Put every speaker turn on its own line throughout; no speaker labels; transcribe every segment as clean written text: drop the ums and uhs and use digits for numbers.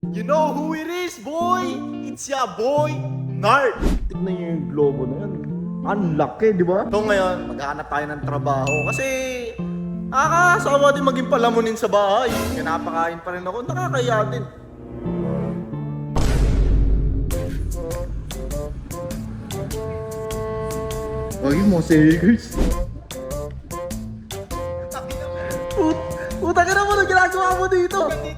You know who it is, boy? It's ya boy, Nard.
Tignan niyo yung globo na yan. Ang laki, di ba?
So ngayon, maghahanap tayo ng trabaho kasi nakakasawa din maging palamunin sa bahay. Kaya napakain pa rin ako, nakakaya din.
Ay, mo sagers.
Puta ka na mo, ano ginagawa mo dito?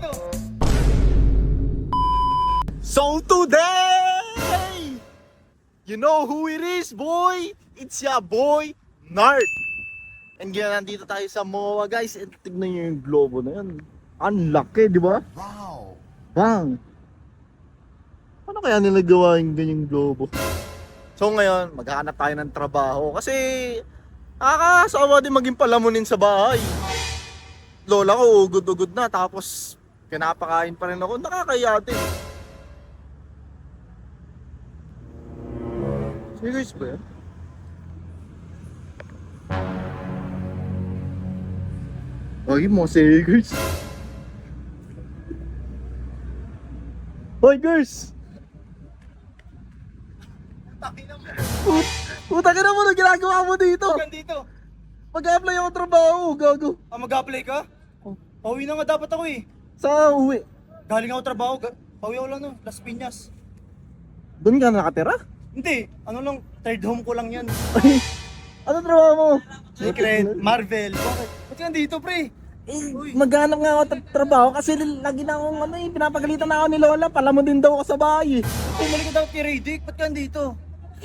So today, you know who it is, boy? It's ya boy, Nard. And kaya nandito tayo sa MOA, guys. And
Tignan niyo yung globo na yan. Ang laki, di ba?
wow!
Bang! Paano kaya nila gawa yung ganyang globo?
So ngayon, maghahanap tayo ng trabaho kasi nakakasawa din maging palamunin sa bahay. Lola ko, ugod-ugod na, tapos pinapakain pa rin ako, nakakaya din.
Serious ba yan? Ay, mo sagers. Hoy, girls!
Puta ka na mo, ano ginagawa mo dito?
Dito.
Mag-apply ako trabaho, gago.
Mag-apply ka? Pauwi na nga dapat ako eh.
Sa uwi.
Galing ako trabaho. Pauwi ako lang no, Las Piñas.
Doon ka nakatira?
Hindi, ano lang, third home ko lang yan.
Ay, ano trabaho mo?
Secret, Marvel. Bakit? Ba't ka nandito pre?
Maghanap nga ako trabaho kasi lagi na akong pinapagalitan na ako ni Lola. Pala mo din daw ako sa bahay eh.
Bumalik ka dapat kay Radic, ba't ka nandito?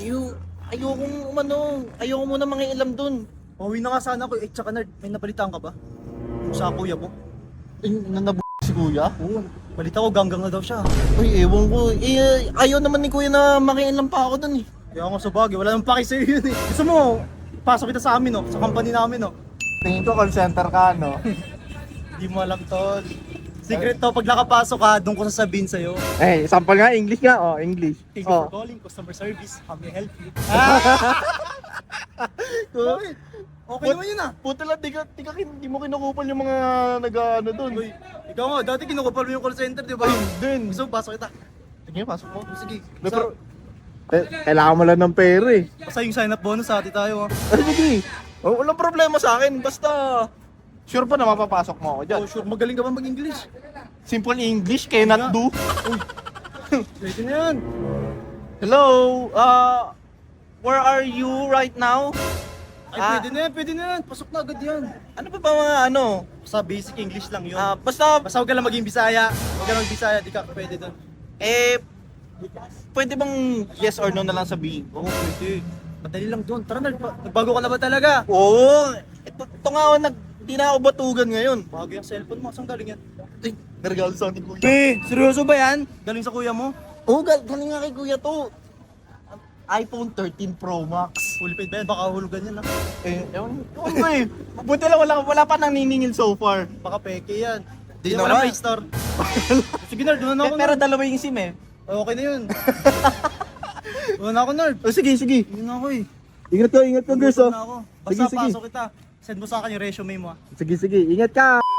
Ayoko muna mga ilam dun.
Pauwi na nga sana ako. Eh, tsaka nerd, may napalitan ka ba? Yung sa kuya mo?
Si kuya?
Oo, balita ko ganggang na daw siya.
Uy, ewan ko. Ayaw naman ni kuya na makialam pa ako dun eh.
Kaya ako sa bagay, wala nang paki sa'yo yun eh. Gusto mo, pasok kita sa amin no, sa company namin no.
Tingin ko call center ka, no?
Hindi mo alam tol. Secret to, pag nakapasok ka, doon ko sasabihin sa'yo.
Eh, sample nga, English nga. Oh, English.
Thank you
Oh.
for calling, customer service, how may I help you? Bakit? Okay naman yun ah.
Puta lang, di mo kinukupal yung mga nag-ano dun.
Uy, ikaw nga, dati kinukupal mo yung call center, di ba?
Ay, din.
Gusto mo, pasok kita.
Sige, pasok mo.
Sige,
Pero,
Kailangan mo lang ng pera eh.
basta yung sign up bonus, hati tayo ah.
Ay, sige.
walang problema sa akin. Basta, sure pa na mapapasok mo ako dyan.
Oh sure, magaling ka ba mag-English?
Simple English, cannot do.
Pwede na yan.
Hello, where are you right now?
Ay, pwede na yan. Pasok na agad yan.
Ano pa ba mga ano?
Basta basic English lang yun.
Basta,
Basta huwag ka lang maging Bisaya. Huwag ka lang maging Bisaya, di ka pwede doon.
pwede bang yes or no na lang sabihin ko?
Oo, pwede. Madali lang doon. Tara na, nagbago ka na ba talaga?
Oo, ito nga ako, di na ako batugan ngayon.
Bago yung cellphone mo, saan galing yan?
Ay, narigalo sa akin kuya.
Seryoso ba yan? Galing sa kuya mo?
Oo, galing nga kay kuya to. iPhone 13 Pro Max.
Fully paid ba yan? Baka hulugan yan ah.
Ewan ko eh. Buti lang wala pa naniningil so far.
Baka peke yan.
Di
Hindi
naman.
naman Play Store. Sige nerd, doon na ako
Pero
nerd.
dalawa yung SIM eh.
Okay na yun. Doon na ako nerd.
Sige, sige.
Doon na ako eh.
Ingat ka, girls.
Doon
Oh.
na ako. Basta
Sige, sige.
pasok kita. Send mo sa akin yung resume mo ah.
Sige, sige. Ingat ka.